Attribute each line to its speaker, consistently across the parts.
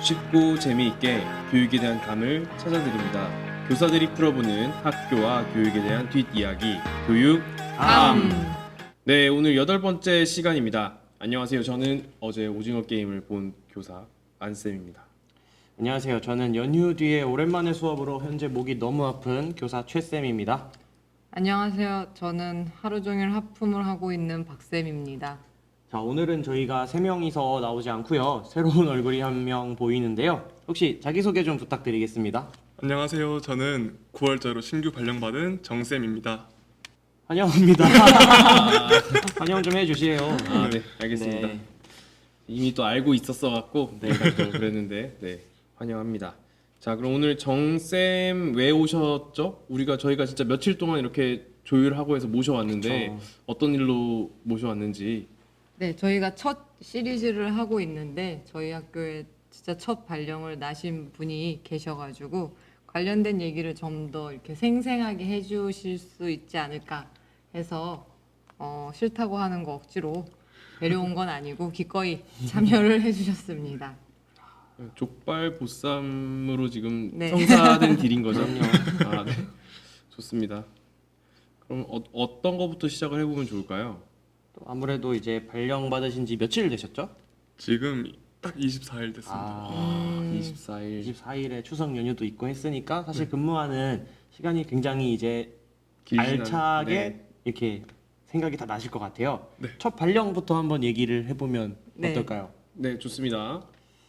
Speaker 1: 쉽고 재미있게 교육에 대한 감을 찾아드립니다. 교사들이 풀어보는 학교와 교육에 대한 뒷이야기, 교육 감. 네, 오늘 8번째 시간입니다. 안녕하세요. 저는 어제 오징어 게임을 본 교사 안쌤입니다.
Speaker 2: 안녕하세요. 저는 연휴 뒤에 오랜만에 수업으로 현재 목이 너무 아픈 교사 최쌤입니다.
Speaker 3: 안녕하세요. 저는 하루 종일 하품을 하고 있는 박쌤입니다.
Speaker 2: 자, 오늘은 저희가 3명이서 나오지 않고요. 새로운 얼굴이 한 명 보이는데요. 혹시 자기소개 좀 부탁드리겠습니다.
Speaker 4: 안녕하세요. 저는 9월자로 신규 발령받은 정쌤입니다.
Speaker 2: 환영합니다. 환영 좀 해주세요.
Speaker 1: 아, 네, 알겠습니다.
Speaker 2: 네.
Speaker 1: 이미 또 알고 있었어-갖고 제가 또 그랬는데, 네, 환영합니다. 자, 그럼 오늘 정쌤 왜 오셨죠? 저희가 진짜 며칠 동안 이렇게 조율하고 해서 모셔왔는데
Speaker 2: 그쵸.
Speaker 1: 어떤 일로 모셔왔는지.
Speaker 3: 네, 저희가 첫 시리즈를 하고 있는데 저희 학교에 진짜 첫 발령을 나신 분이 계셔가지고 관련된 얘기를 좀 더 이렇게 생생하게 해주실 수 있지 않을까 해서 싫다고 하는 거 억지로 데려온 건 아니고 기꺼이 참여를 해주셨습니다.
Speaker 1: 족발 보쌈으로 지금
Speaker 3: 네.
Speaker 1: 성사된 딜인 거죠? 아, 네. 좋습니다. 그럼 어떤 거부터 시작을 해보면 좋을까요?
Speaker 2: 또 아무래도 이제 발령 받으신 지 며칠 되셨죠?
Speaker 4: 지금 딱 24일 됐습니다.
Speaker 1: 24일.
Speaker 2: 24일에 추석 연휴도 있고 했으니까 사실 근무하는 시간이 굉장히 이제 알차게
Speaker 1: 네.
Speaker 2: 이렇게 생각이 다 나실 것 같아요.
Speaker 4: 네.
Speaker 2: 첫 발령부터 한번 얘기를 해보면
Speaker 3: 네.
Speaker 2: 어떨까요?
Speaker 1: 네, 좋습니다.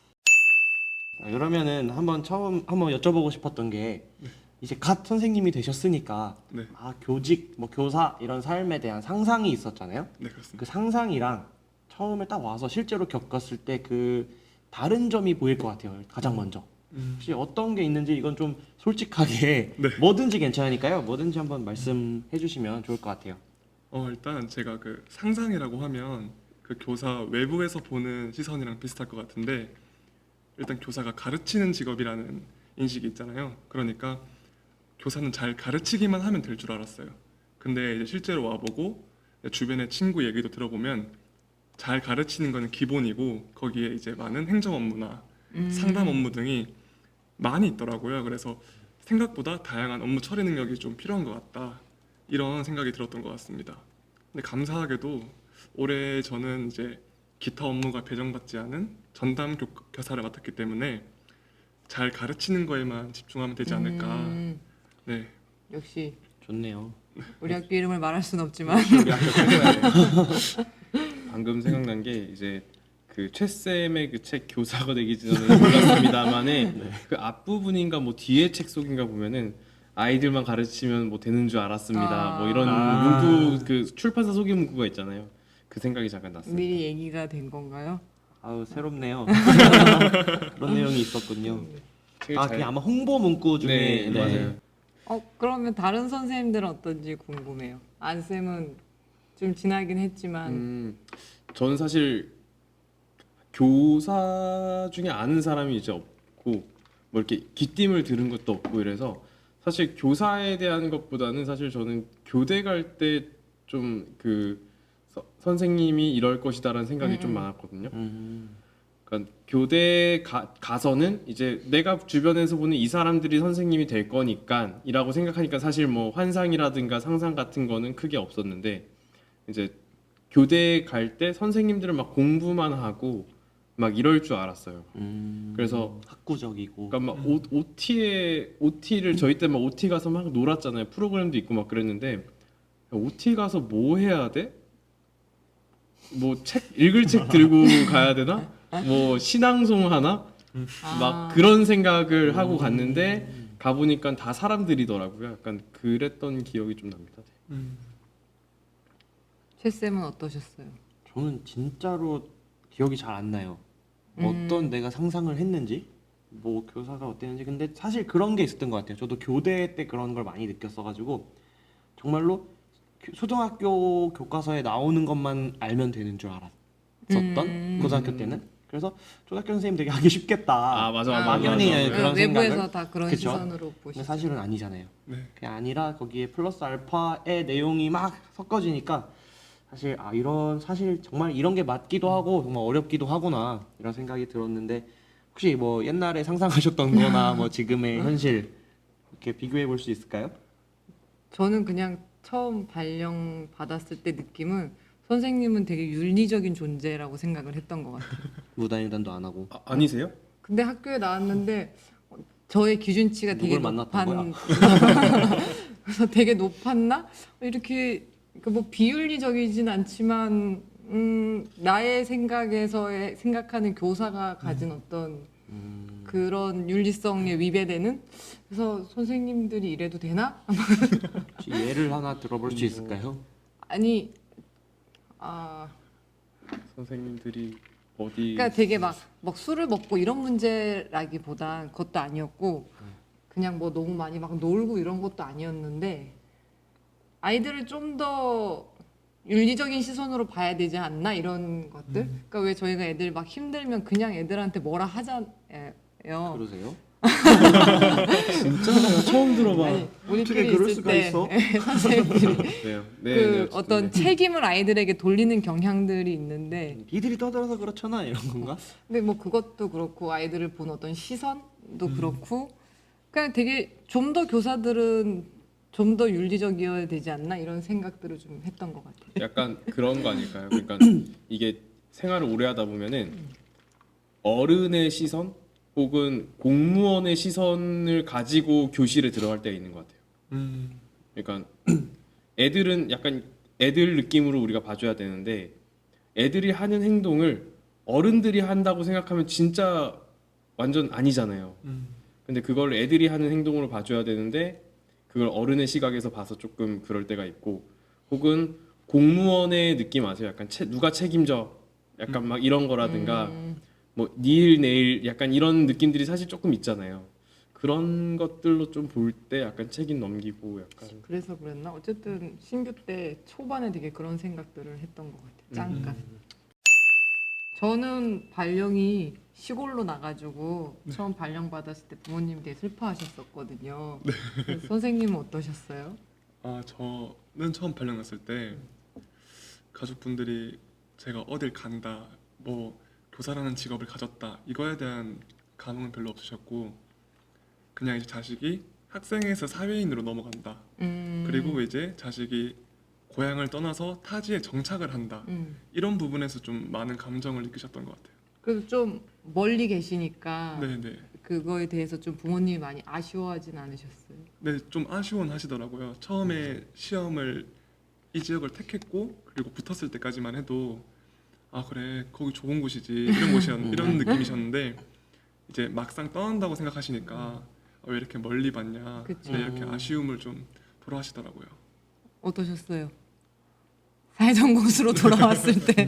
Speaker 2: 그러면은 한번 여쭤보고 싶었던 게 이제 갓 선생님이 되셨으니까
Speaker 4: 네.
Speaker 2: 교직, 교사 이런 삶에 대한 상상이 있었잖아요.
Speaker 4: 네, 그렇습니다.
Speaker 2: 그 상상이랑 처음에 딱 와서 실제로 겪었을 때 그 다른 점이 보일 것 같아요. 가장 먼저. 혹시 어떤 게 있는지 이건 좀 솔직하게
Speaker 4: 네.
Speaker 2: 뭐든지 괜찮으니까요. 뭐든지 한번 말씀해 주시면 좋을 것 같아요.
Speaker 4: 일단 제가 그 상상이라고 하면 그 교사 외부에서 보는 시선이랑 비슷할 것 같은데 일단 교사가 가르치는 직업이라는 인식이 있잖아요. 그러니까 교사는 잘 가르치기만 하면 될 줄 알았어요. 근데 이제 실제로 와보고 주변의 친구 얘기도 들어보면 잘 가르치는 거는 기본이고 거기에 이제 많은 행정 업무나 상담 업무 등이 많이 있더라고요. 그래서 생각보다 다양한 업무 처리 능력이 좀 필요한 것 같다. 이런 생각이 들었던 것 같습니다. 근데 감사하게도 올해 저는 이제 기타 업무가 배정받지 않은 전담 교사를 맡았기 때문에 잘 가르치는 거에만 집중하면 되지 않을까. 네.
Speaker 3: 역시
Speaker 2: 좋네요.
Speaker 3: 우리 학교 이름을 말할 순 없지만
Speaker 2: 우리 학교 최고야.
Speaker 1: 방금 생각난 게 이제 그 최쌤의 그 책 교사가 되기 전에 몰랐습니다만에 그 앞부분인가 뭐 뒤에 책 속인가 보면은 아이들만 가르치면 뭐 되는 줄 알았습니다. 뭐 이런 문구 그 출판사 소개 문구가 있잖아요. 그 생각이 잠깐 났습니다.
Speaker 3: 미리 얘기가 된 건가요?
Speaker 2: 아우 새롭네요. 그런 내용이 있었군요.
Speaker 1: 책을
Speaker 2: 그게
Speaker 1: 잘-
Speaker 2: 아마 홍보 문구 중에
Speaker 1: 네, 맞아요.
Speaker 3: 그러면 다른 선생님들은 어떤지 궁금해요. 안쌤은 좀 지나긴 했지만
Speaker 1: 저는 사실 교사 중에 아는 사람이 이제 없고 뭐 이렇게 귀띔을 들은 것도 없고 이래서 사실 교사에 대한 것보다는 사실 저는 교대 갈 때 좀 그 선생님이 이럴 것이다라는 생각이 좀 많았거든요. 그러니까 교대 가서는 이제 내가 주변에서 보는 이 사람들이 선생님이 될 거니까이라고 생각하니까 사실 뭐 환상이라든가 상상 같은 거는 크게 없었는데 이제 교대 갈 때 선생님들은 막 공부만 하고 막 이럴 줄 알았어요. 그래서
Speaker 2: 학구적이고.
Speaker 1: 그러니까 막 OT를 저희 때 막 OT 가서 막 놀았잖아요. 프로그램도 있고 막 그랬는데 OT 가서 뭐 해야 돼? 뭐 읽을 책 들고 가야 되나? 뭐 신앙송 하나? 막 그런 생각을 하고 갔는데 가보니까 다 사람들이더라고요. 약간 그랬던 기억이 좀 납니다.
Speaker 3: 최쌤은 어떠셨어요?
Speaker 2: 저는 진짜로 기억이 잘 안 나요. 어떤 내가 상상을 했는지, 뭐 교사가 어땠는지. 근데 사실 그런 게 있었던 것 같아요. 저도 교대 때 그런 걸 많이 느꼈어가지고 정말로 초등학교 교과서에 나오는 것만 알면 되는 줄 알았었던 고등학교 때는. 그래서 초등학교 선생님 되게 하기 쉽겠다.
Speaker 1: 아, 맞아.
Speaker 2: 막연히
Speaker 1: 맞아.
Speaker 2: 그런
Speaker 3: 외부에서
Speaker 2: 생각을.
Speaker 3: 다 그런
Speaker 2: 그쵸?
Speaker 3: 시선으로
Speaker 2: 근데
Speaker 3: 보시죠.
Speaker 2: 사실은 아니잖아요.
Speaker 4: 네.
Speaker 2: 그게 아니라 거기에 플러스 알파의 내용이 막 섞어지니까 사실 사실 정말 이런 게 맞기도 하고 정말 어렵기도 하구나 이런 생각이 들었는데 혹시 뭐 옛날에 상상하셨던 거나 뭐 지금의 현실 이렇게 비교해 볼 수 있을까요?
Speaker 3: 저는 그냥 처음 발령 받았을 때 느낌은 선생님은 되게 윤리적인 존재라고 생각을 했던 것 같아요.
Speaker 2: 무단횡단도 안 하고
Speaker 1: 아니세요?
Speaker 3: 근데 학교에 나왔는데 저의 기준치가 되게
Speaker 2: 누굴 만났던
Speaker 3: 높은 그래서 되게 높았나? 이렇게 뭐 비윤리적이진 않지만 나의 생각에서의 생각하는 교사가 가진 어떤 그런 윤리성에 위배되는 그래서 선생님들이 이래도 되나?
Speaker 2: 혹시 예를 하나 들어볼 수 있을까요?
Speaker 3: 아니 아
Speaker 1: 선생님들이 어디
Speaker 3: 그러니까 되게 막 술을 먹고 이런 문제라기보단 그것도 아니었고 그냥 뭐 너무 많이 막 놀고 이런 것도 아니었는데 아이들을 좀 더 윤리적인 시선으로 봐야 되지 않나 이런 것들. 그러니까 왜 저희가 애들 막 힘들면 그냥 애들한테 뭐라 하잖아요.
Speaker 2: 그러세요?
Speaker 1: 진짜 나 처음 들어봐.
Speaker 3: 아니 우리끼리
Speaker 2: 어떻게 그럴
Speaker 3: 있을
Speaker 2: 수가
Speaker 3: 때
Speaker 2: 있어?
Speaker 3: 선생님들이
Speaker 1: 네요.
Speaker 3: 그
Speaker 1: 어쨌든
Speaker 3: 어떤
Speaker 1: 네.
Speaker 3: 책임을 아이들에게 돌리는 경향들이 있는데
Speaker 2: 니들이 떠들어서 그렇잖아 이런 건가?
Speaker 3: 근데 뭐 그것도 그렇고 아이들을 본 어떤 시선도 그렇고 그냥 되게 좀 더 교사들은 좀 더 윤리적이어야 되지 않나 이런 생각들을 좀 했던 것 같아요.
Speaker 1: 약간 그런 거 아닐까요? 그러니까 이게 생활을 오래 하다 보면은 어른의 시선 혹은 공무원의 시선을 가지고 교실에 들어갈 때가 있는 것 같아요. 그러니까 애들은 약간 애들 느낌으로 우리가 봐줘야 되는데 애들이 하는 행동을 어른들이 한다고 생각하면 진짜 완전 아니잖아요. 근데 그걸 애들이 하는 행동으로 봐줘야 되는데 그걸 어른의 시각에서 봐서 조금 그럴 때가 있고 혹은 공무원의 느낌 아세요? 약간 누가 책임져? 약간 막 이런 거라든가 뭐 니일 내일 약간 이런 느낌들이 사실 조금 있잖아요. 그런 것들로 좀 볼 때 약간 책임 넘기고 약간
Speaker 3: 그래서 그랬나? 어쨌든 신규 때 초반에 되게 그런 생각들을 했던 것 같아요. 잠깐. 저는 발령이 시골로 나가지고 처음 발령 받았을 때 부모님이 되게 슬퍼하셨었거든요. 그래서 선생님은 어떠셨어요?
Speaker 4: 아 저는 처음 발령 났을 때 가족분들이 제가 어딜 간다, 뭐 교사라는 직업을 가졌다 이거에 대한 감흥은 별로 없으셨고 그냥 이제 자식이 학생에서 사회인으로 넘어간다. 그리고 이제 자식이 고향을 떠나서 타지에 정착을 한다. 이런 부분에서 좀 많은 감정을 느끼셨던 것 같아요.
Speaker 3: 그래도 좀 멀리 계시니까
Speaker 4: 네네.
Speaker 3: 그거에 대해서 좀 부모님이 많이 아쉬워하진 않으셨어요?
Speaker 4: 네, 좀 아쉬워는 하시더라고요. 처음에 시험을 이 지역을 택했고 그리고 붙었을 때까지만 해도 아 그래 거기 좋은 곳이지 이런 이런 느낌이셨는데 이제 막상 떠난다고 생각하시니까 왜 이렇게 멀리 봤냐
Speaker 3: 그쵸.
Speaker 4: 네, 이렇게 아쉬움을 좀 토로하시더라고요.
Speaker 3: 어떠셨어요? 사회전 곳으로 돌아왔을 때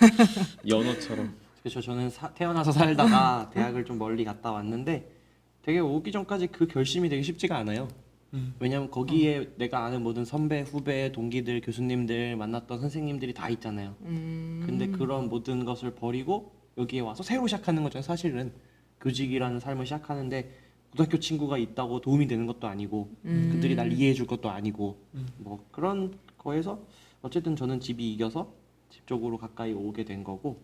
Speaker 1: 연어처럼
Speaker 2: 그렇죠. 저는 태어나서 살다가 대학을 좀 멀리 갔다 왔는데 되게 오기 전까지 그 결심이 되게 쉽지가 않아요. 왜냐면 거기에 내가 아는 모든 선배, 후배, 동기들, 교수님들 만났던 선생님들이 다 있잖아요. 근데 그런 모든 것을 버리고 여기에 와서 새로 시작하는 거죠. 사실은 교직이라는 삶을 시작하는데 고등학교 친구가 있다고 도움이 되는 것도 아니고 그들이 날 이해해 줄 것도 아니고 뭐 그런 거에서 어쨌든 저는 집이 이겨서 집 쪽으로 가까이 오게 된 거고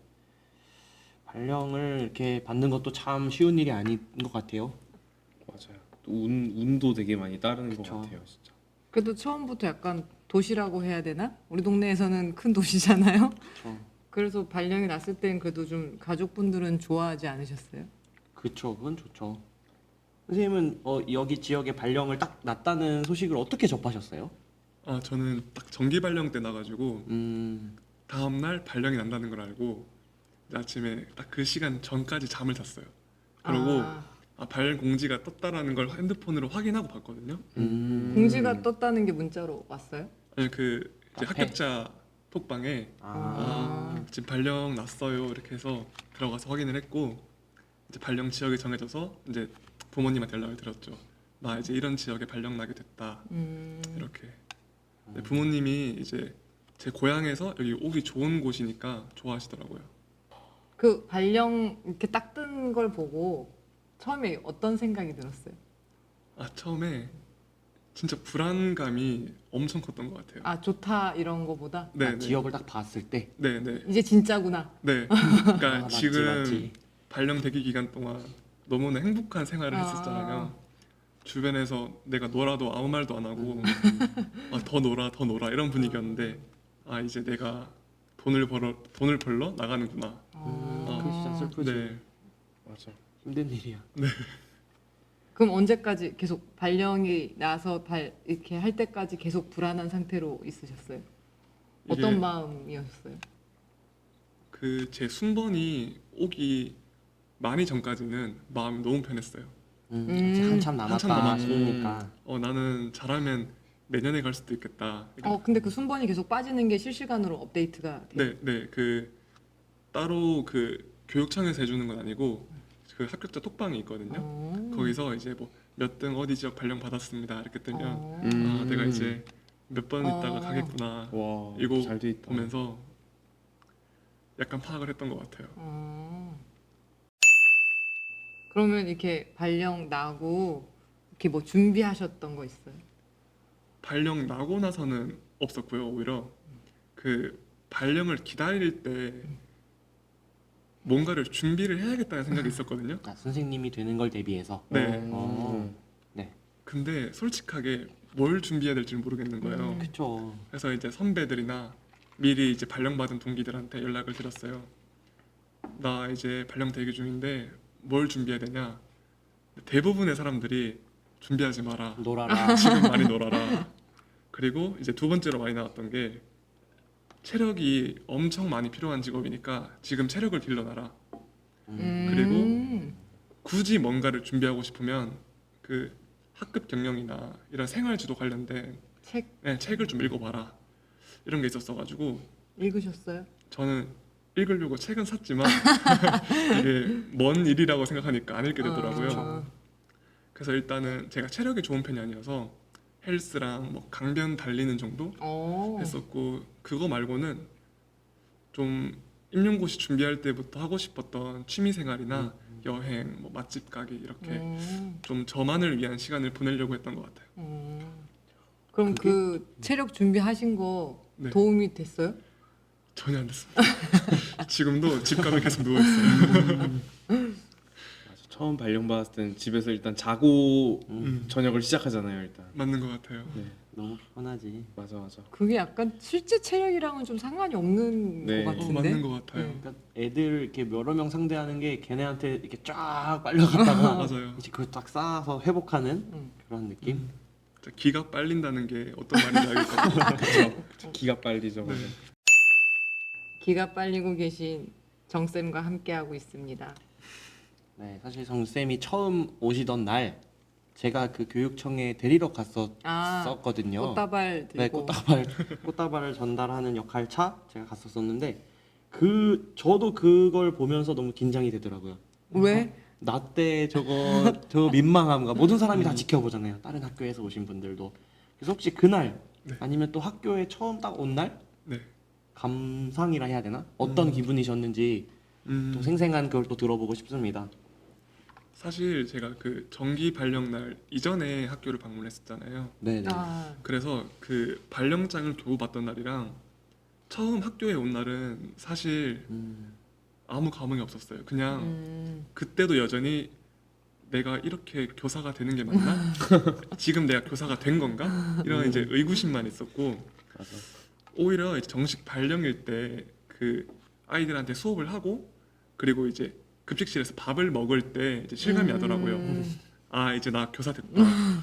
Speaker 2: 발령을 이렇게 받는 것도 참 쉬운 일이 아닌 것 같아요.
Speaker 1: 맞아요. 또 운도 되게 많이 따르는
Speaker 2: 그쵸.
Speaker 1: 것 같아요, 진짜.
Speaker 3: 그래도 처음부터 약간 도시라고 해야 되나? 우리 동네에서는 큰 도시잖아요.
Speaker 2: 그렇죠.
Speaker 3: 그래서 발령이 났을 땐 그래도 좀 가족분들은 좋아하지 않으셨어요?
Speaker 2: 그쵸, 그건 좋죠. 선생님은 여기 지역에 발령을 딱 났다는 소식을 어떻게 접하셨어요?
Speaker 4: 아 저는 딱 정기 발령 때 나가지고 다음 날 발령이 난다는 걸 알고 이제 아침에 딱 그 시간 전까지 잠을 잤어요. 그리고 발령 공지가 떴다라는 걸 핸드폰으로 확인하고 봤거든요.
Speaker 3: 공지가 떴다는 게 문자로 왔어요?
Speaker 4: 아니 그 이제
Speaker 2: 앞에?
Speaker 4: 합격자 톡방에 지금 발령 났어요 이렇게 해서 들어가서 확인을 했고 이제 발령 지역이 정해져서 이제 부모님한테 연락을 드렸죠. 나 이제 이런 지역에 발령 나게 됐다 이렇게. 네, 부모님이 이제 제 고향에서 여기 오기 좋은 곳이니까 좋아하시더라고요.
Speaker 3: 그 발령 이렇게 딱 뜬 걸 보고 처음에 어떤 생각이 들었어요?
Speaker 4: 아 처음에 진짜 불안감이 엄청 컸던 것 같아요.
Speaker 3: 아 좋다 이런 거보다
Speaker 4: 네, 네,
Speaker 2: 지역을 딱 봤을 때
Speaker 4: 네, 네,
Speaker 3: 이제 진짜구나.
Speaker 4: 네. 그러니까
Speaker 2: 맞지,
Speaker 4: 지금
Speaker 2: 맞지.
Speaker 4: 발령 대기 기간 동안 너무나 행복한 생활을
Speaker 3: 아.
Speaker 4: 했었잖아요. 주변에서 내가 놀아도 아무 말도 안 하고 더 놀아 더 놀아 이런 분위기였는데 이제 내가 돈을 벌러 나가는구나.
Speaker 2: 그 진짜 슬프지.
Speaker 4: 네.
Speaker 1: 맞아.
Speaker 2: 힘든 일이야.
Speaker 3: 그럼 언제까지 계속 발령이 나서 이렇게 할 때까지 계속 불안한 상태로 있으셨어요? 어떤
Speaker 4: 이게
Speaker 3: 마음이었어요?
Speaker 4: 그 제 순번이 오기 많이 전까지는 마음이 너무 편했어요.
Speaker 2: 아직 한참
Speaker 4: 한참
Speaker 2: 남았다
Speaker 4: 남았고.
Speaker 2: 싶으니까.
Speaker 4: 나는 잘하면 내년에 갈 수도 있겠다.
Speaker 3: 근데 그 순번이 계속 빠지는 게 실시간으로 업데이트가 돼요?
Speaker 4: 네. 그 따로 그 교육청에서 해주는 건 아니고 그 합격자 톡방이 있거든요. 거기서 이제 뭐 몇 등 어디 지역 발령 받았습니다 이렇게 뜨면 내가 이제 몇 번 있다가 가겠구나
Speaker 1: 와,
Speaker 4: 이거
Speaker 1: 잘 돼 있다.
Speaker 4: 보면서 약간 파악을 했던 것 같아요.
Speaker 3: 그러면 이렇게 발령 나고 이렇게 뭐 준비하셨던 거 있어요?
Speaker 4: 발령 나고 나서는 없었고요. 오히려 그 발령을 기다릴 때 뭔가를 준비를 해야겠다는 생각이 있었거든요.
Speaker 2: 선생님이 되는 걸 대비해서.
Speaker 4: 네.
Speaker 2: 네.
Speaker 4: 근데 솔직하게 뭘 준비해야 될지 모르겠는 거예요.
Speaker 2: 그렇죠.
Speaker 4: 그래서 이제 선배들이나 미리 이제 발령받은 동기들한테 연락을 드렸어요. 나 이제 발령 대기 중인데 뭘 준비해야 되냐? 대부분의 사람들이 준비하지 마라.
Speaker 2: 놀아라.
Speaker 4: 지금 많이 놀아라. 그리고 이제 두 번째로 많이 나왔던 게 체력이 엄청 많이 필요한 직업이니까 지금 체력을 길러놔라. 그리고 굳이 뭔가를 준비하고 싶으면 그 학급 경영이나 이런 생활지도 관련된 책을 좀 읽어봐라. 이런 게 있었어가지고
Speaker 3: 읽으셨어요?
Speaker 4: 저는 읽으려고 책은 샀지만 이게 먼 일이라고 생각하니까 안 읽게 되더라고요. 그래서 일단은 제가 체력이 좋은 편이 아니어서 헬스랑 뭐 강변 달리는 정도 했었고 그거 말고는 좀 임용고시 준비할 때부터 하고 싶었던 취미생활이나 여행, 뭐 맛집 가기 이렇게 좀 저만을 위한 시간을 보내려고 했던 것 같아요.
Speaker 3: 그럼 그 체력 준비하신 거
Speaker 4: 네.
Speaker 3: 도움이 됐어요?
Speaker 4: 전혀 안 됐습니다. 지금도 집 가면 계속 누워 있어요.
Speaker 1: 맞아. 처음 발령 받았을 때는 집에서 일단 자고 저녁을 시작하잖아요. 일단.
Speaker 4: 맞는 것 같아요.
Speaker 1: 네.
Speaker 2: 너무 편하지.
Speaker 1: 맞아.
Speaker 3: 그게 약간 실제 체력이랑은 좀 상관이 없는
Speaker 1: 네.
Speaker 3: 것 같은데.
Speaker 4: 맞는 것 같아요.
Speaker 3: 네.
Speaker 2: 그러니까 애들 이렇게 여러 명 상대하는 게 걔네한테 이렇게 쫙 빨려갔다가
Speaker 4: 맞아요.
Speaker 2: 이제 그걸 딱 쌓아서 회복하는
Speaker 3: 음.
Speaker 2: 그런 느낌.
Speaker 4: 진짜 기가 빨린다는 게 어떤 말인지 알겠거든요.
Speaker 1: 그렇죠. 기가 빨리죠. 맞아.
Speaker 3: 기가 빨리고 계신 정쌤과 함께하고 있습니다.
Speaker 2: 네, 사실 정쌤이 처음 오시던 날 제가 그 교육청에 데리러 갔었거든요.
Speaker 3: 꽃다발
Speaker 2: 네,
Speaker 3: 들고.
Speaker 2: 꽃다발을 전달하는 역할차 제가 갔었었는데 저도 그걸 보면서 너무 긴장이 되더라고요.
Speaker 3: 왜?
Speaker 2: 나 때 저 민망함과 모든 사람이 다 지켜보잖아요. 다른 학교에서 오신 분들도. 그래서 혹시 그날
Speaker 4: 네.
Speaker 2: 아니면 또 학교에 처음 딱 온 날
Speaker 4: 네.
Speaker 2: 감상이라 해야 되나? 어떤 기분이셨는지 또 생생한 그걸 또 들어보고 싶습니다.
Speaker 4: 사실 제가 그 정기 발령 날 이전에 학교를 방문했었잖아요.
Speaker 2: 네네.
Speaker 4: 그래서 그 발령장을 교부 받던 날이랑 처음 학교에 온 날은 사실 아무 감흥이 없었어요. 그냥 그때도 여전히 내가 이렇게 교사가 되는 게 맞나? 지금 내가 교사가 된 건가? 이런 이제 의구심만 있었고
Speaker 1: 맞아.
Speaker 4: 오히려 이제 정식 발령일 때 그 아이들한테 수업을 하고 그리고 이제 급식실에서 밥을 먹을 때 이제 실감이 나더라고요. 이제 나 교사 됐다.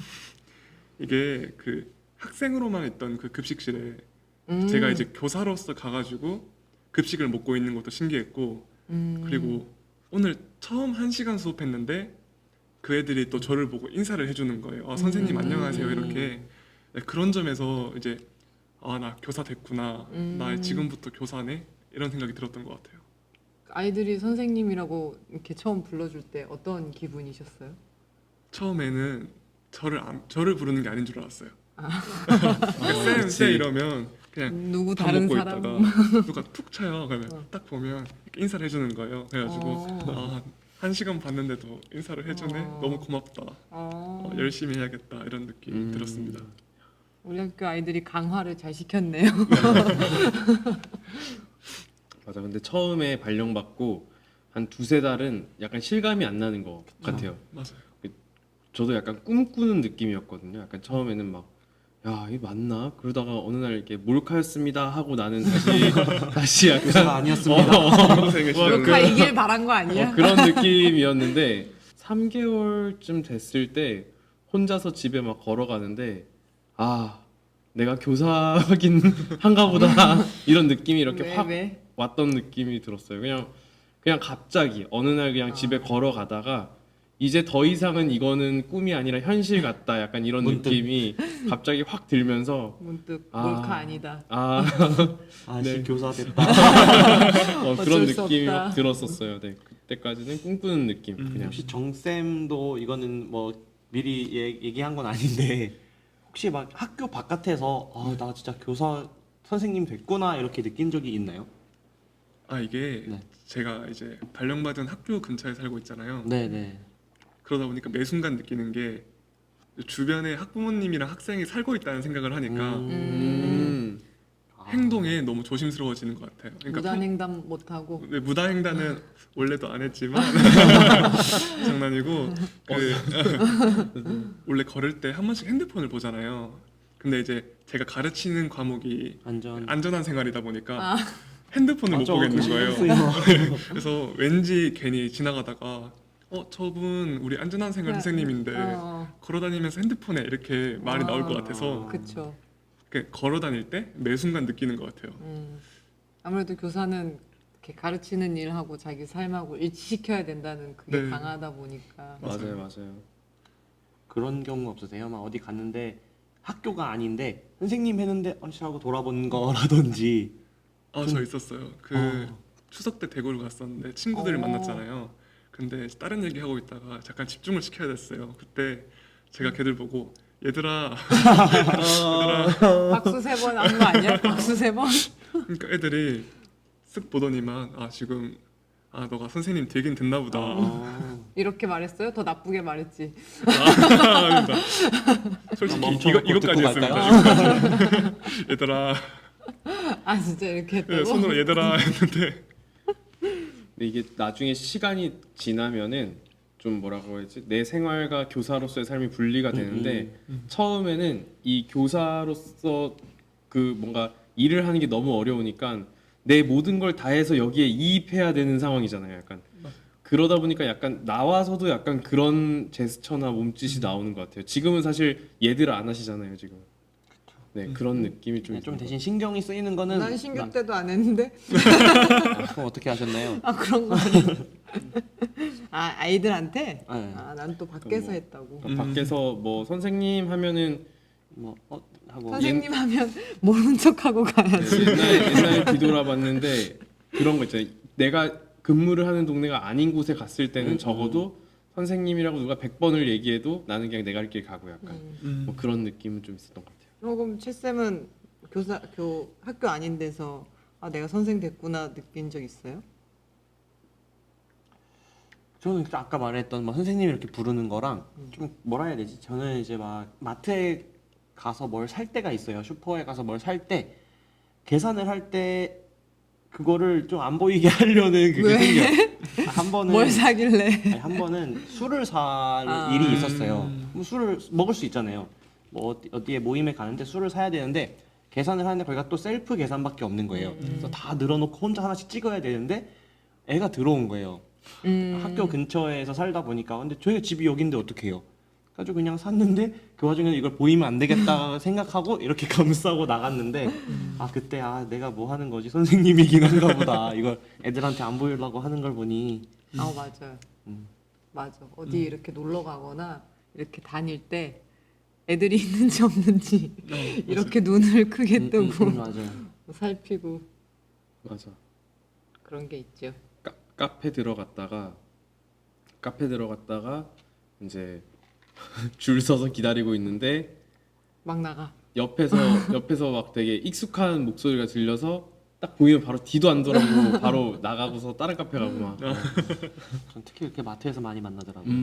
Speaker 4: 이게 그 학생으로만 있던 그 급식실에 제가 이제 교사로서 가가지고 급식을 먹고 있는 것도 신기했고 그리고 오늘 처음 1시간 수업했는데 그 애들이 또 저를 보고 인사를 해주는 거예요. 선생님 안녕하세요 이렇게. 네, 그런 점에서 이제 나 교사 됐구나. 나 지금부터 교사네 이런 생각이 들었던 것 같아요.
Speaker 3: 아이들이 선생님이라고 이렇게 처음 불러줄 때 어떤 기분이셨어요?
Speaker 4: 처음에는 저를 부르는 게 아닌 줄 알았어요.
Speaker 1: 그치.
Speaker 4: 쌤 이러면 그냥
Speaker 3: 누구
Speaker 4: 밥
Speaker 3: 다른
Speaker 4: 먹고
Speaker 3: 사람?
Speaker 4: 있다가 누가 툭 쳐요. 그러면 딱 보면 이렇게 인사를 해주는 거예요. 그래가지고 1시간 봤는데도 인사를 해주네. 너무 고맙다. 열심히 해야겠다 이런 느낌이 들었습니다.
Speaker 3: 우리 학교 아이들이 강화를 잘 시켰네요.
Speaker 1: 맞아. 근데 처음에 발령 받고 한 두세 달은 약간 실감이 안 나는 것 같아요.
Speaker 4: 맞아요.
Speaker 1: 저도 약간 꿈꾸는 느낌이었거든요. 약간 처음에는 막, 야, 이게 맞나? 그러다가 어느 날 이렇게 몰카였습니다 하고 나는 다시
Speaker 2: 교사가
Speaker 1: 약간
Speaker 2: 아니었습니다.
Speaker 4: 중학생의 시절은
Speaker 3: 몰카 이길 바란 거 아니야?
Speaker 1: 그런 느낌이었는데 3개월쯤 됐을 때 혼자서 집에 막 걸어가는데 아, 내가 교사긴 한가 보다 이런 느낌이 이렇게
Speaker 3: 왜,
Speaker 1: 확
Speaker 3: 왜?
Speaker 1: 왔던 느낌이 들었어요. 그냥 갑자기 어느 날 그냥 집에 걸어가다가 이제 더 이상은 이거는 꿈이 아니라 현실 같다. 약간 이런
Speaker 2: 문득.
Speaker 1: 느낌이 갑자기 확 들면서
Speaker 3: 문득
Speaker 1: 아.
Speaker 3: 몰카 아니다.
Speaker 1: 아,
Speaker 2: 아씨
Speaker 1: 네.
Speaker 2: 교사 됐다.
Speaker 1: 그런
Speaker 3: 어쩔 수
Speaker 1: 느낌이
Speaker 3: 없다.
Speaker 1: 확 들었었어요. 네, 그때까지는 꿈꾸는 느낌. 그냥
Speaker 2: 혹시 정쌤도 이거는 뭐 미리 얘기한 건 아닌데 혹시 막 학교 바깥에서 아 나 진짜 교사 선생님 됐구나 이렇게 느낀 적이 있나요?
Speaker 4: 이게
Speaker 2: 네.
Speaker 4: 제가 이제 발령받은 학교 근처에 살고 있잖아요.
Speaker 2: 네네.
Speaker 4: 그러다 보니까 매 순간 느끼는 게 주변에 학부모님이랑 학생이 살고 있다는 생각을 하니까 행동에 너무 조심스러워지는 것 같아요. 그러니까
Speaker 3: 무단횡단 못하고
Speaker 4: 무단횡단은 원래도 안 했지만 장난이고 원래 걸을 때 한 번씩 핸드폰을 보잖아요. 근데 이제 제가 가르치는 과목이 안전한 생활이다 보니까 핸드폰을 못 보겠는 거예요. 그래서 왠지 괜히 지나가다가 저분 우리 안전한 생활 선생님인데 걸어다니면서 핸드폰에 이렇게 말이 나올 것 같아서
Speaker 3: 그쵸.
Speaker 4: 걸어 다닐 때 매 순간 느끼는 것 같아요.
Speaker 3: 아무래도 교사는 이렇게 가르치는 일하고 자기 삶하고 일치시켜야 된다는 그게
Speaker 4: 네.
Speaker 3: 강하다 보니까
Speaker 1: 맞아요.
Speaker 2: 그런 경우 없으세요? 막 어디 갔는데 학교가 아닌데 선생님 했는데 하고 돌아본 거라든지.
Speaker 4: 저 있었어요. 추석 때 대구를 갔었는데 친구들을 만났잖아요. 근데 다른 얘기 하고 있다가 잠깐 집중을 시켜야 됐어요. 그때 제가 걔들 보고 얘들아
Speaker 3: 박수 3번 한 거 아니야? 박수 3번?
Speaker 4: 그러니까 애들이 쓱 보더니만 지금 너가 선생님 되긴 됐나 보다.
Speaker 3: 이렇게 말했어요? 더 나쁘게 말했지.
Speaker 4: 그러니까 솔직히
Speaker 2: 멈춰놓고
Speaker 4: 이것까지
Speaker 2: 듣고
Speaker 4: 했습니다. 얘들아
Speaker 3: 진짜 이렇게 했다고?
Speaker 4: 손으로 얘들아 했는데
Speaker 1: 근데 이게 나중에 시간이 지나면은 좀 뭐라고 해야지 내 생활과 교사로서의 삶이 분리가 되는데 처음에는 이 교사로서 그 뭔가 일을 하는 게 너무 어려우니까 내 모든 걸 다해서 여기에 이입해야 되는 상황이잖아요. 약간 그러다 보니까 약간 나와서도 약간 그런 제스처나 몸짓이 나오는 것 같아요. 지금은 사실 얘들 안 하시잖아요. 지금. 네, 그런 느낌이 좀.
Speaker 2: 네, 좀 대신 신경이 쓰이는 거는
Speaker 3: 난 신규 때도 안 했는데?
Speaker 2: 그럼 어떻게 하셨나요?
Speaker 3: 그런 거 아니야. 아이들한테?
Speaker 2: 네.
Speaker 3: 난 또 밖에서
Speaker 1: 뭐,
Speaker 3: 했다고.
Speaker 1: 밖에서 뭐 선생님 하면은
Speaker 2: 뭐 하고
Speaker 3: 선생님 하면 모르는 척하고 가야지.
Speaker 1: 옛날에 뒤돌아봤는데 그런 거 있잖아요. 내가 근무를 하는 동네가 아닌 곳에 갔을 때는 적어도 선생님이라고 누가 100번을 얘기해도 나는 그냥 내가 할 길 가고 약간 뭐 그런 느낌은 좀 있었던 것 같아요.
Speaker 3: 그럼 채쌤은 학교 아닌 데서 내가 선생 됐구나 느낀 적 있어요?
Speaker 2: 저는 아까 말했던 막 선생님 이렇게 부르는 거랑 좀 뭐라 해야 되지? 저는 이제 막 마트에 가서 뭘 살 때가 있어요. 슈퍼에 가서 뭘 살 때 계산을 할 때 그거를 좀 안 보이게 하려는 그게
Speaker 3: 왜?
Speaker 2: 생겨요. 한 번은
Speaker 3: 뭘 사길래?
Speaker 2: 한 번은 술을 살 일이 있었어요. 뭐 술을 먹을 수 있잖아요. 뭐 어디에 모임에 가는데 술을 사야 되는데 계산을 하는데 거기가 또 셀프 계산밖에 없는 거예요. 그래서 다 늘어놓고 혼자 하나씩 찍어야 되는데 애가 들어온 거예요. 학교 근처에서 살다 보니까 근데 저희 집이 여긴데 어떻게 해요? 그래가지고 그냥 샀는데 그 와중에 이걸 보이면 안 되겠다 생각하고 이렇게 감싸고 나갔는데 그때 내가 뭐 하는 거지 선생님이긴 한가 보다 이걸 애들한테 안 보이려고 하는 걸 보니
Speaker 3: 맞아요. 맞아. 어디 이렇게 놀러 가거나 이렇게 다닐 때 애들이 있는지 없는지 이렇게 눈을 크게 뜨고
Speaker 2: 맞아요.
Speaker 3: 살피고
Speaker 1: 맞아.
Speaker 3: 그런 게 있죠.
Speaker 1: 카페 들어갔다가 이제 줄 서서 기다리고 있는데
Speaker 3: 막 나가.
Speaker 1: 옆에서 막 되게 익숙한 목소리가 들려서 딱 보이면 바로 뒤도 안 돌아보고 바로 나가고서 다른 카페 가고 막.
Speaker 2: 전 특히 이렇게 마트에서 많이 만나더라고요.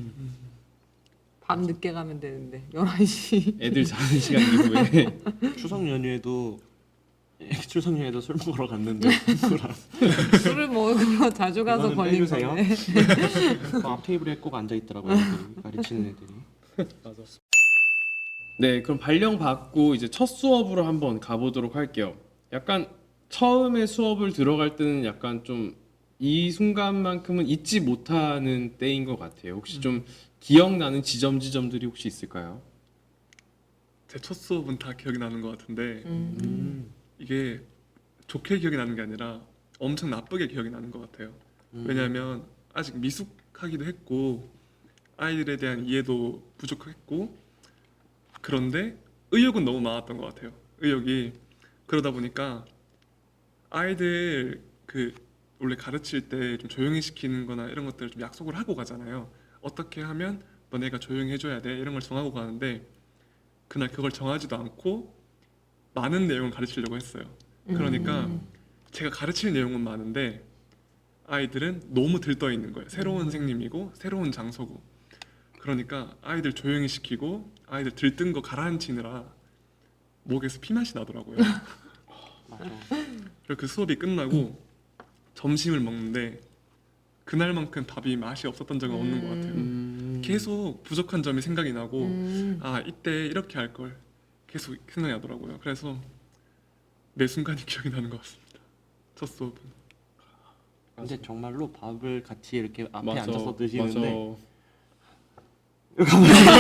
Speaker 3: 밤 늦게 가면 되는데 11시.
Speaker 1: 애들 자는 시간 이후에
Speaker 2: 추석 연휴에도 출석률에도 술 먹으러 갔는데 술안
Speaker 3: 술을 먹으러 자주 가서
Speaker 2: 이거는
Speaker 3: 걸린
Speaker 2: 빼주세요.
Speaker 3: 거네.
Speaker 2: 앞 테이블에 꼭 앉아 있더라고요. 애들이, 가르치는 애들이.
Speaker 1: 맞아. 네, 그럼 발령 받고 이제 첫 수업으로 한번 가보도록 할게요. 약간 처음에 수업을 들어갈 때는 약간 좀 이 순간만큼은 잊지 못하는 때인 것 같아요. 혹시 좀 기억나는 지점들이 혹시 있을까요?
Speaker 4: 제 첫 수업은 다 기억이 나는 것 같은데
Speaker 3: 음.
Speaker 4: 이게 좋게 기억이 나는 게 아니라 엄청 나쁘게 기억이 나는 것 같아요. 왜냐하면 아직 미숙하기도 했고 아이들에 대한 이해도 부족했고 그런데 의욕은 너무 많았던 것 같아요. 의욕이 그러다 보니까 아이들 그 원래 가르칠 때 좀 조용히 시키는 거나 이런 것들을 좀 약속을 하고 가잖아요. 어떻게 하면 너네가 조용히 해줘야 돼 이런 걸 정하고 가는데 그날 그걸 정하지도 않고 많은 내용을 가르치려고 했어요. 그러니까 제가 가르칠 내용은 많은데 아이들은 너무 들떠 있는 거예요. 새로운 선생님이고 새로운 장소고 그러니까 아이들 조용히 시키고 아이들 들뜬 거 가라앉히느라 목에서 피맛이 나더라고요.
Speaker 2: 맞아.
Speaker 4: 그리고 그 수업이 끝나고 점심을 먹는데 그날만큼 밥이 맛이 없었던 적은 없는 것 같아요. 계속 부족한 점이 생각이 나고 아 이때 이렇게 할 걸 계속 생각이 나더라고요. 그래서 매 순간이 기억이 나는 것 같습니다. 첫 수업은.
Speaker 2: 근데 정말로 밥을 같이 이렇게 앞에
Speaker 1: 맞아,
Speaker 2: 앉아서 드시는데
Speaker 1: 맞아.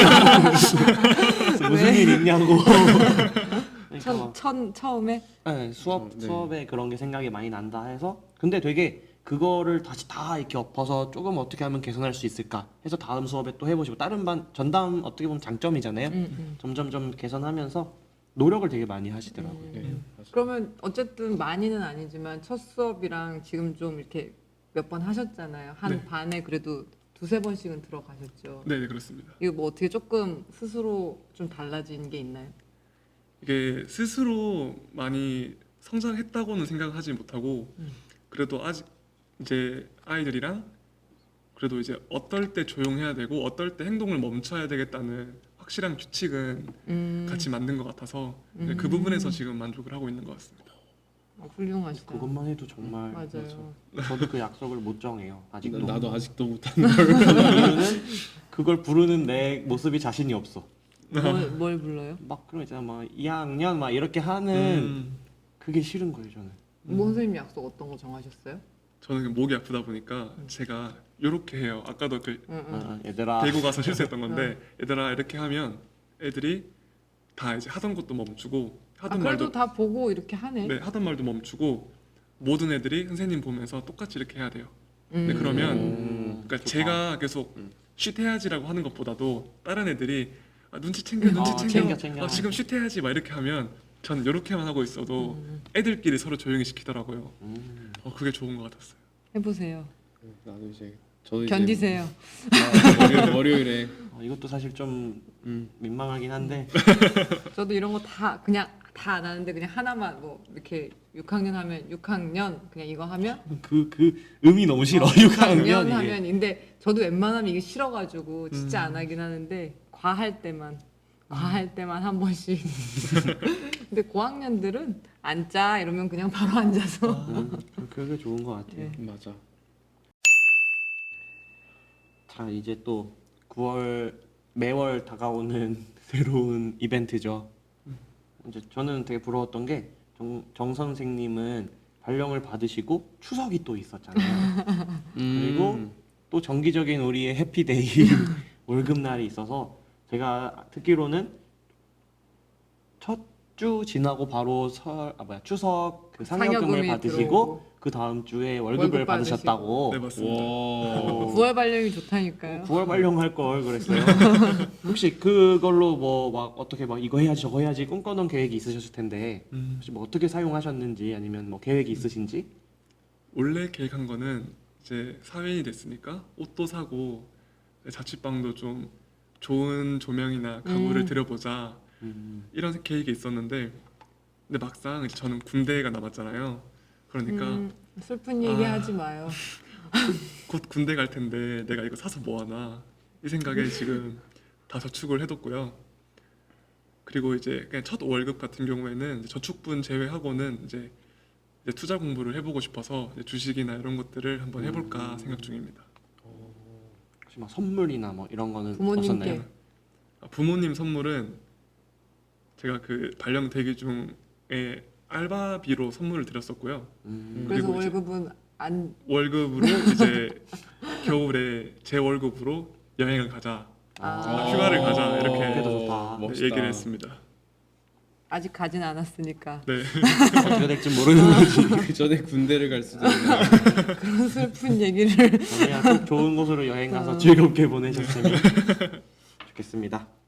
Speaker 2: 무슨 일 있냐고. 그러니까 막
Speaker 3: 처음에
Speaker 2: 네,
Speaker 1: 네.
Speaker 2: 수업에 그런 게 생각이 많이 난다 해서 근데 되게 그거를 다시 다 이렇게 엎어서 조금 어떻게 하면 개선할 수 있을까 해서 다음 수업에 또 해보시고 다른 반 전담 어떻게 보면 장점이잖아요. 점점점 개선하면서 노력을 되게 많이 하시더라고요.
Speaker 1: 네, 맞아.
Speaker 3: 그러면 어쨌든 많이는 아니지만 첫 수업이랑 지금 좀 이렇게 몇 번 하셨잖아요. 한
Speaker 4: 네.
Speaker 3: 반에 그래도 두세 번씩은 들어가셨죠.
Speaker 4: 네, 그렇습니다.
Speaker 3: 이거 뭐 어떻게 조금 스스로 좀 달라진 게 있나요?
Speaker 4: 이게 스스로 많이 성장했다고는 생각하지 못하고 그래도 아직 이제 아이들이랑 그래도 이제 어떨 때 조용해야 되고 어떨 때 행동을 멈춰야 되겠다는 확실한 규칙은 같이 만든 것 같아서 네, 그 부분에서 지금 만족을 하고 있는 것 같습니다.
Speaker 3: 훌륭하시다.
Speaker 2: 그것만 해도 정말
Speaker 3: 맞아요.
Speaker 2: 저도 그 약속을 못 정해요. 아직도.
Speaker 1: 나도 아직도 못하는 걸.
Speaker 2: 그 이유는 그걸 부르는 내 모습이 자신이 없어.
Speaker 3: 뭘 불러요?
Speaker 2: 막 그런 거 있잖아, 막 2학년 막 이렇게 하는 그게 싫은 거예요, 저는.
Speaker 3: 뭐 선생님 약속 어떤 거 정하셨어요?
Speaker 4: 저는 그 목이 아프다 보니까 제가 이렇게 해요. 아까도 그
Speaker 2: 얘들아.
Speaker 4: 대구 가서 실수했던 건데 얘들아 이렇게 하면 애들이 다 이제 하던 것도 멈추고 하던
Speaker 3: 그래도
Speaker 4: 말도
Speaker 3: 다 보고 이렇게 하네.
Speaker 4: 네, 하던 말도 멈추고 모든 애들이 선생님 보면서 똑같이 이렇게 해야 돼요. 네, 그러면 그러니까
Speaker 2: 좋다.
Speaker 4: 제가 계속 쉿해야지라고 하는 것보다도 다른 애들이 아, 눈치 챙겨 눈치 챙겨,
Speaker 2: 챙겨.
Speaker 4: 아, 지금 쉿해야지 막 이렇게 하면 저는 이렇게만 하고 있어도 애들끼리 서로 조용히 시키더라고요. 그게 좋은 것 같았어요.
Speaker 3: 해보세요.
Speaker 1: 나도 이제 저도
Speaker 3: 견디세요.
Speaker 1: 이제 월요일에
Speaker 2: 이것도 사실 좀 민망하긴 한데
Speaker 3: 저도 이런 거 다 그냥 다 안 하는데 그냥 하나만 뭐 이렇게 6학년 하면 6학년 그냥 이거 하면
Speaker 2: 그 음이 너무 싫어. 6학년 이게.
Speaker 3: 하면 근데 저도 웬만하면 이게 싫어가지고 진짜 안 하긴 하는데 과할 때만 한 번씩. 근데 고학년들은 앉자 이러면 그냥 바로 앉아서.
Speaker 2: 그게 좋은 것 같아요.
Speaker 3: 네.
Speaker 1: 맞아.
Speaker 2: 자, 이제 또 9월 매월 다가오는 새로운 이벤트죠. 이제 저는 되게 부러웠던 게 정 선생님은 발령을 받으시고 추석이 또 있었잖아요. 그리고 또 정기적인 우리의 해피데이 월급날이 있어서 제가 듣기로는 첫 주 지나고 바로 추석 그 상여금을
Speaker 3: 상여금이
Speaker 2: 받으시고
Speaker 3: 들어오고.
Speaker 2: 그 다음 주에 월급을
Speaker 3: 월급
Speaker 2: 받으셨다고.
Speaker 4: 네, 맞습니다.
Speaker 1: 와.
Speaker 3: 9월 발령이 좋다니까요.
Speaker 2: 9월 발령할 걸 그랬어요. 혹시 그걸로 뭐 막 어떻게 막 이거 해야지 저거 해야지 꿈꿔놓은 계획이 있으셨을 텐데 혹시 뭐 어떻게 사용하셨는지 아니면 뭐 계획이 있으신지?
Speaker 4: 원래 계획한 거는 이제 사회인이 됐으니까 옷도 사고 자취방도 좀 좋은 조명이나 가구를 들여보자 이런 계획이 있었는데 근데 막상 이제 저는 군대가 남았잖아요. 그러니까
Speaker 3: 슬픈 얘기 하지 마요.
Speaker 4: 곧 군대 갈 텐데 내가 이거 사서 뭐 하나 이 생각에 지금 다 저축을 해뒀고요. 그리고 이제 그냥 첫 월급 같은 경우에는 이제 저축분 제외하고는 이제 투자 공부를 해보고 싶어서 이제 주식이나 이런 것들을 한번 해볼까 생각 중입니다.
Speaker 2: 혹시 막 선물이나 뭐 이런 거는
Speaker 3: 부모님께.
Speaker 2: 없었나요?
Speaker 4: 부모님 선물은 제가 그 발령 대기 중에 알바비로 선물을 드렸었고요.
Speaker 2: 음.
Speaker 3: 그래서
Speaker 4: 그리고 이제-
Speaker 3: 월급은 안
Speaker 4: 월급으로 이제 겨울에 제 월급으로 여행을 가자, 휴가를 가자 이렇게
Speaker 2: 그게 더 좋다.
Speaker 4: 네,
Speaker 1: 멋있다.
Speaker 4: 얘기를 했습니다.
Speaker 3: 아직 가진 않았으니까
Speaker 4: 네.
Speaker 2: 어떻게 될지 모르는 거지.
Speaker 1: 그 전에 군대를 갈 수도 있는.
Speaker 3: 그런 슬픈 얘기를
Speaker 2: 그냥 꼭 좋은 곳으로 여행 가서 즐겁게 보내셨으면 좋겠습니다.